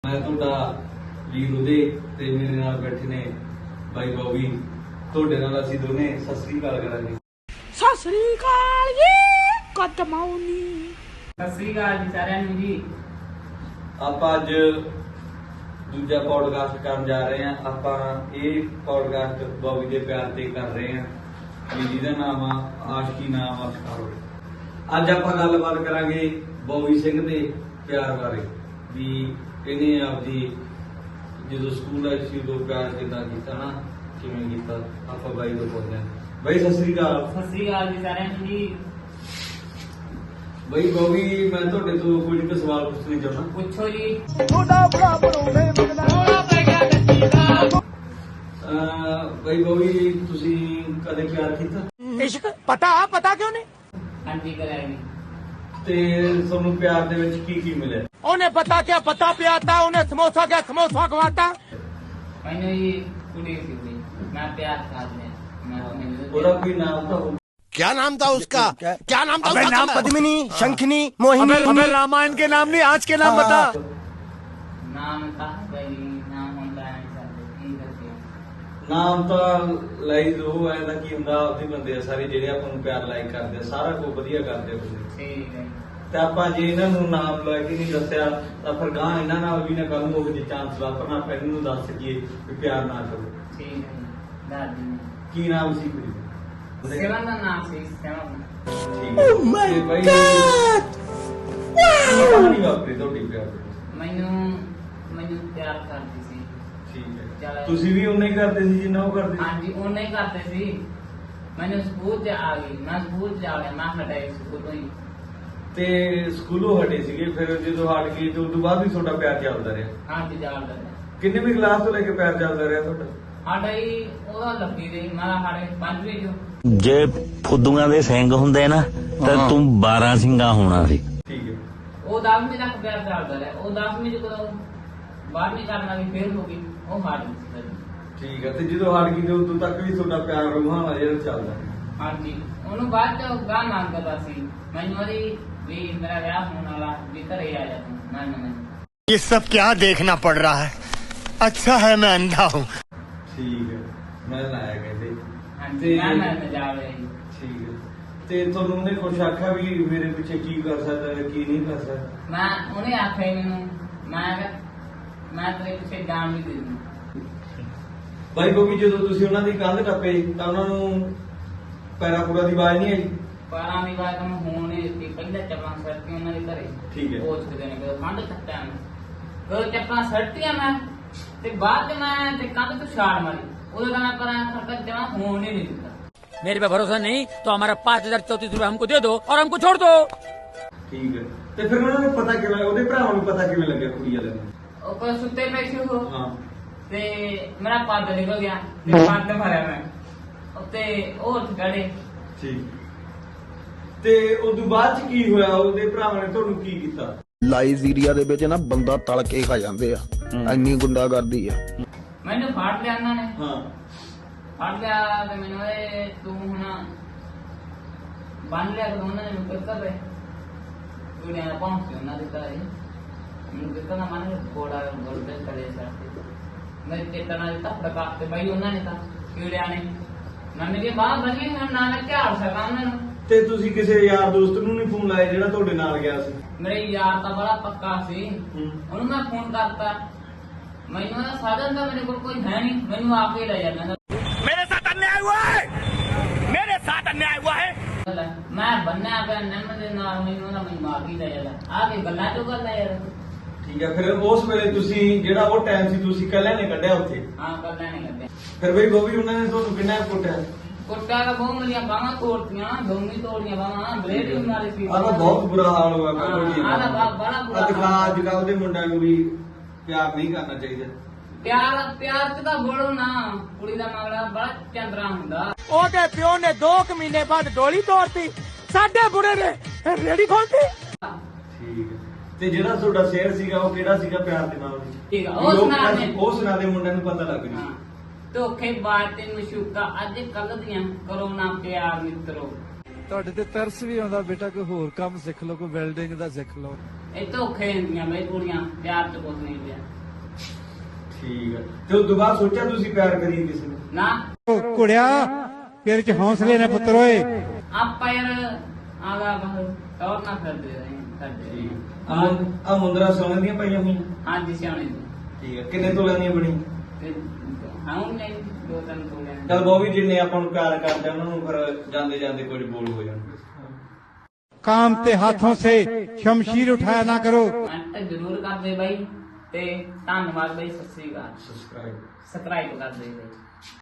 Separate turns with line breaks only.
मैं तुहाडा वीर उदय ते मेरे नाल बैठे ने भाई बॉबी। तुहाडे नाल असीं दोने सत श्री अकाल करांगे।
सत श्री अकाल जी कदमाउनी।
सत श्री अकाल जी सारिਆਂ ਨੂੰ जी।
ਆਪਾਂ ਅੱਜ ਦੂਜਾ ਪੌਡਕਾਸਟ ਕਰਨ ਜਾ ਰਹੇ ਹਾਂ। ਆਪਾਂ ਇਹ ਪੌਡਕਾਸਟ ਬੌਬੀ ਦੇ ਪਿਆਰ ਤੇ ਕਰ ਰਹੇ ਹਾਂ ਵੀ ਜਿਹਦਾ ਨਾਮ ਆ ਆਸ਼ਕੀ ਨਾਮ ਅਸਕਾਰੋ। ਅੱਜ ਆਪਾਂ ਗੱਲਬਾਤ ਕਰਾਂਗੇ ਬੌਬੀ ਸਿੰਘ ਦੇ ਪਿਆਰ ਬਾਰੇ ਵੀ ਇਹਨੇ ਆਪਦੀ ਜਦੋਂ ਸਕੂਲ ਆਈ ਸੀ ਉਦੋਂ ਪਿਆਰ ਕਿੱਦਾਂ ਕੀਤਾ ਨਾ, ਕਿਵੇਂ ਕੀਤਾ। ਆਪਾਂ ਬਾਈ ਤੋਂ ਪੁੱਛਦੇ ਹਾਂ। ਬਾਈ ਸਤਿ ਸ੍ਰੀ ਅਕਾਲ।
ਸਤਿ श्री अकाल जी सारिਆਂ ਨੂੰ जी।
ਬਾਈ ਬੌਬੀ ਮੈਂ ਤੁਹਾਡੇ ਤੋਂ ਕੁਝ ਕੁ ਸਵਾਲ ਪੁੱਛਣੇ ਚਾਹੁੰਦਾ।
ਪੁੱਛੋ ਜੀ।
ਬਾਈ ਬੌਬੀ ਤੁਸੀਂ ਕਦੇ ਪਿਆਰ ਕੀਤਾ?
इश्क पता पता क्यों नहीं?
ਹਾਂਜੀ ਕਰਾਂਗੇ ਜੀ।
ਤੇ ਤੁਹਾਨੂੰ ਪਿਆਰ ਦੇ ਵਿੱਚ ਕੀ ਕੀ ਮਿਲਿਆ?
उन्हें पता क्या पता पियाता, उन्हें समोसा क्या समोसा खवाता।
ਮੈਨੂੰ ਜੀ ਕੁੜੀ ਸੀ ਜੀ, ਮੈਂ ਪਿਆਰ ਕਰਦਾ
ਉਹਦਾ ਕੋਈ ਨਾਮ ਤਾਂ ਹੋਊ।
क्या नाम था उसका? क्या नाम था
अबे
उसका?
नाम पद्मिनी, शंखनी, मोहिनी। अबे रामायण के नाम नहीं, आज के नाम बता।
ਨਾਮ ਤਾਂ ਬਈ ਨਾਮ ਹੁੰਦਾ ਹੈ ਸਾਡੇ ਕੀ ਦੱਸਿਆ।
ਨਾਮ ਤਾਂ ਲਾਈ ਦੋ ਐ ਤਾਂ ਕੀ ਹੁੰਦਾ, ਆਪਦੇ ਬੰਦੇ ਆ ਸਾਰੇ ਜਿਹੜੇ ਆਪਾਂ ਨੂੰ ਪਿਆਰ ਲਾਇਕ ਕਰਦੇ ਆ, ਸਾਰਾ ਕੁਝ ਵਧੀਆ ਕਰਦੇ ਆ ਤੁਸੀਂ।
ਠੀਕ ਹੈ
ਤੇ ਆਪਾਂ ਜੇ ਇਹਨਾਂ ਨੂੰ ਨਾਮ ਲੈ ਕੇ ਨਹੀਂ ਦੱਸਿਆ ਤਾਂ ਫਿਰ ਗਾਂ ਇਹਨਾਂ ਨਾਲ ਵੀ ਨਾ ਕੱਲ ਨੂੰ ਉਹ ਜੇ ਚਾਂਸ ਵਾਪਰਨਾ ਆਪਾਂ ਇਹਨਾਂ ਨੂੰ ਦੱਸ ਸਕੀਏ ਵੀ ਪਿਆਰ ਨਾ ਕਰੋ।
ਠੀਕ ਹੈ ਜੀ। ਦਾਦੀ ਨੇ
ਕੀ ਨਾਮ ਸੀ ਕੁੜੀ ਦਾ?
ਸੇਵਨ ਦਾ ਨਾਮ ਸੀ ਸੇਵਨ।
ਠੀਕ ਹੈ। ਓ ਮਾਈ ਗॉड ਕਹਾਣੀ ਵਾਪਰੀ ਤੁਹਾਡੀ ਪਿਆਰ ਦੀ?
ਮੈਨੂੰ ਪਿਆਰ ਕਰਦੀ ਸੀ।
ਠੀਕ ਹੈ। ਤੁਸੀਂ ਵੀ ਉਨਾ ਹੀ ਕਰਦੇ ਸੀ ਜਿੰਨਾ ਉਹ ਕਰਦੇ ਸੀ?
ਹਾਂਜੀ ਉਹਨੇ ਹੀ ਕਰਦੇ ਸੀ। ਮੈਨੂੰ ਸਕੂਲ ਚ ਆ ਗਈ, ਮੈਂ ਸਕੂਲ ਚ ਆ ਗਿਆ, ਮੈਂ ਹਟਾਈ ਸਕੂਲ ਤੋਂ ਹੀ।
ਤੇ ਸਕੂਲੋਂ ਹਟੇ ਸੀਗੇ, ਫਿਰ ਜਦੋਂ ਹਟ ਗਏ ਤੇ ਉਸ ਤੋਂ ਬਾਅਦ ਵੀ ਤੁਹਾਡਾ ਪਿਆਰ ਚੱਲਦਾ ਰਿਹਾ?
ਹਾਂਜੀ ਚੱਲਦਾ।
ਕਿੰਨੇ ਵੀ ਕਲਾਸ ਤੋਂ ਲੈ ਕੇ ਪਿਆਰ ਚੱਲਦਾ ਰਿਹਾ ਤੁਹਾਡਾ?
ਸਾਡਾ ਹੀ ਉਹਦਾ ਲੱਗੀ ਰਹੀ, ਮੈਂ ਸਾਡੇ 5ਵੀਂ ਚੋਂ।
ਜੇ ਫੁੱਦੂਆਂ ਦੇ ਸਿੰਘ ਹੁੰਦੇ ਨਾ ਤਾਂ ਤੂੰ 12 ਸਿੰਘਾਂ ਹੋਣਾ ਸੀ।
ਠੀਕ ਹੈ।
ਉਹ 10ਵੀਂ ਤੱਕ ਪਿਆਰ ਚੱਲਦਾ ਰਿਹਾ। ਉਹ 10ਵੀਂ ਚ ਕਦੋਂ 12ਵੀਂ ਕਰਨਾ ਵੀ ਫੇਲ ਹੋ ਗਈ, ਉਹ ਹਟ ਗਈ।
ਠੀਕ ਹੈ। ਤੇ ਜਦੋਂ ਹਟ ਗਈ ਤੇ ਉਦੋਂ ਤੱਕ ਵੀ ਤੁਹਾਡਾ ਪਿਆਰ ਰੂਹਾਂ ਨਾਲ ਜਿਹੜਾ ਚੱਲਦਾ?
ਹਾਂਜੀ ਉਹਨੂੰ ਬਾਅਦ ਚ ਗਾਂ ਮੰਗਦਾ ਸੀ ਮੈਨੂੰ, ਉਹਦੀ ਵੀ ਮੇਰਾ ਵਿਆਹ ਹੋਣ ਵਾਲਾ, ਵੀ ਘਰੇ ਆ ਜਾ ਤੂੰ। ਮੈਂ
ये सब क्या देखना पड़ रहा है? अच्छा है मैं अंधा हूँ।
ਠੀਕ ਹੈ। ਮੈਂ ਲਾਇਆ ਕਹਿੰਦੇ।
ਹਾਂਜੀ ਮੈਂ ਜਾ ਰਿਹਾ ਜੀ।
ਠੀਕ ਹੈ। ਤੇ ਤੁਹਾਨੂੰ ਉਹਨੇ ਕੁਛ ਆਖਿਆ ਵੀ ਮੇਰੇ ਪਿੱਛੇ ਕੀ ਕਰ ਸਕਦਾ ਹੈ ਕੀ ਨਹੀਂ ਕਰ ਸਕਦਾ?
ਮੈਂ ਉਹਨੇ ਆਖਿਆ ਮੈਨੂੰ, ਮੈਂ ਤੇਰੇ ਪਿੱਛੇ ਜਾਣ ਵੀ ਦੇ ਦੂੰ।
ਬਾਈ ਬੋਬੀ ਜਦੋਂ ਤੁਸੀਂ ਉਹਨਾਂ ਦੀ ਕੰਧ ਟੱਪੇ ਤਾਂ ਉਹਨਾਂ ਨੂੰ ਪੈਰਾਂ ਪੂਰਾ ਦੀ ਆਵਾਜ਼ ਨਹੀਂ ਆਈ?
ਪਾਰਾਂ ਦੀ ਬਾਤ ਨੂੰ ਹੋਣੇ ਦਿੱਤੀ। ਪਹਿਲਾਂ ਚੱਪਲਾਂ ਸੜਤੀਆਂ ਉਹਨਾਂ ਦੇ ਘਰੇ।
ਠੀਕ ਹੈ।
ਉਹ ਛੱਡਦੇ ਨੇ ਕਦੋਂ ਠੰਡ ਤੱਕਾਂ ਕਦੋਂ ਚੱਪਲਾਂ ਸੜਤੀਆਂ ਮੈਂ, ਤੇ ਬਾਅਦ ਚ ਮੈਂ ਤੇ ਕੰਧ ਤੋਂ ਛਾੜ ਮਾਰੀ। ਉਦੋਂ ਤਾਂ ਮੈਂ ਪਰਾਂ ਖੜਕਾ ਜਮਾ ਹੋਣ ਹੀ ਨਹੀਂ ਦਿੱਤਾ।
मेरे पे भरोसा नहीं तो हमारा 5034 रुपए हमको दे दो और हमको छोड़ दो।
ਠੀਕ ਹੈ। ਤੇ ਫਿਰ ਉਹਨਾਂ ਨੂੰ ਪਤਾ ਕਿਵੇਂ, ਉਹਦੇ ਭਰਾਵਾਂ ਨੂੰ ਪਤਾ ਕਿਵੇਂ ਲੱਗਿਆ ਕੁੜੀ ਵਾਲੇ ਨੂੰ?
ਉਹ ਕੋਲ ਸੁੱਤੇ ਪਏ ਸੀ ਉਹ,
ਹਾਂ।
ਤੇ ਮੇਰਾ ਪੱਦ ਨਿਕਲ ਗਿਆ ਤੇ ਪੱਦ ਮਾਰਿਆ ਮੈਂ ਉੱਤੇ, ਉਹ ਉੱਠ ਖੜੇ।
ਠੀਕ। ਤੇ ਉਦੋਂ ਬਾਅਦ ਚ ਕੀ ਹੋਇਆ? ਉਹਦੇ ਭਰਾਵਾਂ ਨੇ ਤੁਹਾਨੂੰ ਕੀ ਕੀਤਾ?
ਲਾਈਜ਼ੀਰੀਆ ਦੇ ਵਿੱਚ ਨਾ ਬੰਦਾ ਤਲ ਕੇ ਖਾ ਜਾਂਦੇ ਆ, ਇੰਨੀ ਗੁੰਡਾਗਰਦੀ ਆ।
ਮੈਨੂੰ ਫਾੜ ਲਿਆ ਉਹਨਾਂ ਨੇ।
ਹਾਂ।
ਫੜ ਲਿਆ ਤੇ ਮੈਨੂੰ ਇਹ ਤੂੰ ਹੁਣ ਬੰਨ ਲਿਆ ਤੇ ਉਹਨਾਂ ਨੇ ਮੈਨੂੰ ਕਰ ਰਹੇ ਕੁੜੀਆਂ ਪਹੁੰਚ ਉਹਨਾਂ ਦੇ ਘਰ। ਮੈਨੂੰ ਕਿਹਾ ਨਾ ਮਨ ਕੋੜਾ ਗੋਲ ਤੇ ਕਰੇ ਸਾਡੇ ਮੈਂ ਤੇ ਤਨਾ ਤੱਕ ਡਕਾ ਤੇ ਬਈ ਉਹਨਾਂ ਨੇ ਤਾਂ ਕੀੜਿਆਂ ਨੇ ਨਾ ਮੇਰੀ ਬਾਹ ਬਣੀ, ਹੁਣ ਨਾ ਮੈਂ ਝਾੜ ਸਕਾਂ ਉਹਨਾਂ ਨੂੰ।
ਤੇ ਤੁਸੀਂ ਕਿਸੇ ਯਾਰ ਦੋਸਤ ਨੂੰ ਨਹੀਂ ਫੋਨ ਲਾਇਆ ਜਿਹੜਾ ਤੁਹਾਡੇ ਨਾਲ ਗਿਆ ਸੀ?
ਮੇਰੇ ਯਾਰ ਤਾਂ ਬੜਾ ਪੱਕਾ ਸੀ, ਉਹਨੂੰ ਮੈਂ ਫੋਨ ਕਰਤਾ। ਮੈਨੂੰ ਨਾ ਸਾਧਨ ਤਾਂ ਮੇਰੇ ਕੋਲ ਕੋਈ ਹੈ ਨਹੀਂ, ਮੈਨੂੰ ਆ ਕੇ ਲੈ ਜਾਣਾ।
मेरे साथ अन्याय हुआ है, मेरे साथ अन्याय हुआ है।
ਮੈਂ ਬੰਨਿਆ ਪਿਆ ਨਿੰਮ ਦੇ ਨਾਲ, ਮੈਨੂੰ ਨਾ ਮੈਨੂੰ ਮਾਰ ਹੀ ਲੈ ਜਾਂਦਾ। ਆ ਕੇ ਗੱਲਾਂ ਚੋਂ ਗੱਲ ਆ ਯਾਰ।
ਠੀਕ ਹੈ। ਫਿਰ ਉਸ ਵੇਲੇ ਤੁਸੀਂ ਜਿਹੜਾ ਉਹ ਟਾਈਮ ਸੀ ਤੁਸੀਂ ਕੱਲਿਆਂ ਨੇ ਕੱਢਿਆ ਉੱਥੇ?
ਹਾਂ ਗੱਲਾਂ ਨਹੀਂ ਕਰਦੇ।
ਫਿਰ ਬਈ ਬੋਬੀ ਉਹਨਾਂ ਨੇ ਤੁਹਾਨੂੰ ਕਿੰਨਾ ਕੁੱਟਿਆ?
ਕੁੱਟਿਆ ਤਾਂ ਬਹੁਤ ਮੇਰੀਆਂ ਬਾਹਾਂ ਤੋੜਤੀਆਂ, ਦੋਵੇਂ ਤੋੜੀਆਂ ਬਾਹਾਂ, ਬਲੇਡ ਵੀ ਮਾਰੇ ਸੀ।
ਆਹ ਤਾਂ ਬਹੁਤ ਬੁਰਾ ਹਾਲ ਹੋਇਆ ਮੈਂ ਤੁਹਾਡੀ।
ਆਹ ਤਾਂ ਬੜਾ ਬੁਰਾ
ਅੱਜ ਕੱਲ੍ਹ ਦੇ ਮੁੰਡਿਆਂ ਨੂੰ ਵੀ ਪਿਆਰ ਨਹੀਂ ਕਰਨਾ ਚਾਹੀਦਾ।
ਪਿਆਰ ਚ ਤਾਂ ਬੋਲੋ ਨਾ, ਕੁੜੀ ਦਾ ਮਗਲਾ ਬੜਾ ਚੰਦਰਾ ਹੁੰਦਾ।
ओदे प्यो ने 2 महीने बाद डोली तोड़ती, साडे बुढ़े ने रेडी खोलती।
ਠੀਕ ਹੈ। ਤੇ ਜਿਹੜਾ ਤੁਹਾਡਾ ਸ਼ੇਰ ਸੀਗਾ ਉਹ ਕਿਹੜਾ ਸੀਗਾ ਪਿਆਰ ਦੇ ਨਾਲ?
ਠੀਕ ਆ, ਉਹ ਸੁਣਾ ਦੇ।
ਉਹ ਸੁਣਾ ਦੇ, ਮੁੰਡਿਆਂ ਨੂੰ ਪਤਾ ਲੱਗ
ਹਾਂ।
ਜੂ।
ਧੋਖੇਬਾਜ਼ ਤੇ ਮਸ਼ੂਕਾ ਅੱਜ ਕੱਲ ਦੀਆਂ ਕਰੋ ਨਾ ਪਿਆਰ ਮਿੱਤਰੋ।
ਤੁਹਾਡੇ ਤੇ ਤਰਸ ਵੀ ਆਉਂਦਾ ਬੇਟਾ, ਕੋਈ ਹੋਰ ਕੰਮ ਸਿੱਖ ਲਓ, ਕੋਈ ਵੈਲਡਿੰਗ ਦਾ ਸਿੱਖ ਲਓ।
ਇਹ ਧੋਖੇ ਹੁੰਦੀਆਂ ਬਈ ਕੁੜੀਆਂ, ਪਿਆਰ ਚ ਕੁਝ ਨਹੀਂ ਪਿਆ।
ਹੈ ਤੇ ਉਸ ਤੋਂ ਬਾਅਦ ਸੋਚਿਆ ਤੁਸੀਂ ਪਿਆਰ ਕਰੀਏ ਕਿਸੇ ਨੂੰ?
ਨਾ
ਕੁੜਿਆ ਤੇਰੇ ਚ ਹੌਸਲੇ ਨੇ ਪੁੱਤਰ ਓਏ।
ਆਪਾਂ ਯਾਰ ਆਦਾ ਬਾਹਰ ਟੌਰ ਨਾ ਕਰਦੇ ਰਹੇ ਕਰਦੇ
ਆ ਮੁੰਦਰਾ ਸੋਨੇ ਦੀਆਂ ਪਾਈਆਂ ਹੋਈਆਂ?
ਹਾਂਜੀ ਸਿਆਣੇ ਦੀ
ਠੀਕ ਹੈ, ਕਿੰਨੇ ਤੋਲਿਆਂ ਦੀਆਂ ਬਣੀਆਂ?
ਤੇ ਹਾਂ ਨਹੀਂ 2-3 ਤੋਲੇ
ਚਲ ਬੋਬੀ, ਜਿੰਨੇ ਆਪਾਂ ਨੂੰ ਪਿਆਰ ਕਰਦੇ ਆ, ਉਹਨਾਂ ਨੂੰ ਫਿਰ ਜਾਂਦੇ ਜਾਂਦੇ ਕੁਝ ਬੋਲ ਹੋ ਜਾਣਗੇ।
काम ते हाथों से शमशीर उठाया ना करो।
ਕਮੈਂਟ ਜ਼ਰੂਰ ਕਰਦੇ ਬਾਈ ਤੇ ਧੰਨਵਾਦ ਬਾਈ, ਸਤਿ ਸ੍ਰੀ ਅਕਾਲ।
ਸਬਸਕ੍ਰਾਈਬ
ਸਬਸਕ੍ਰਾਈਬ ਕਰਦੇ ਬਾਈ।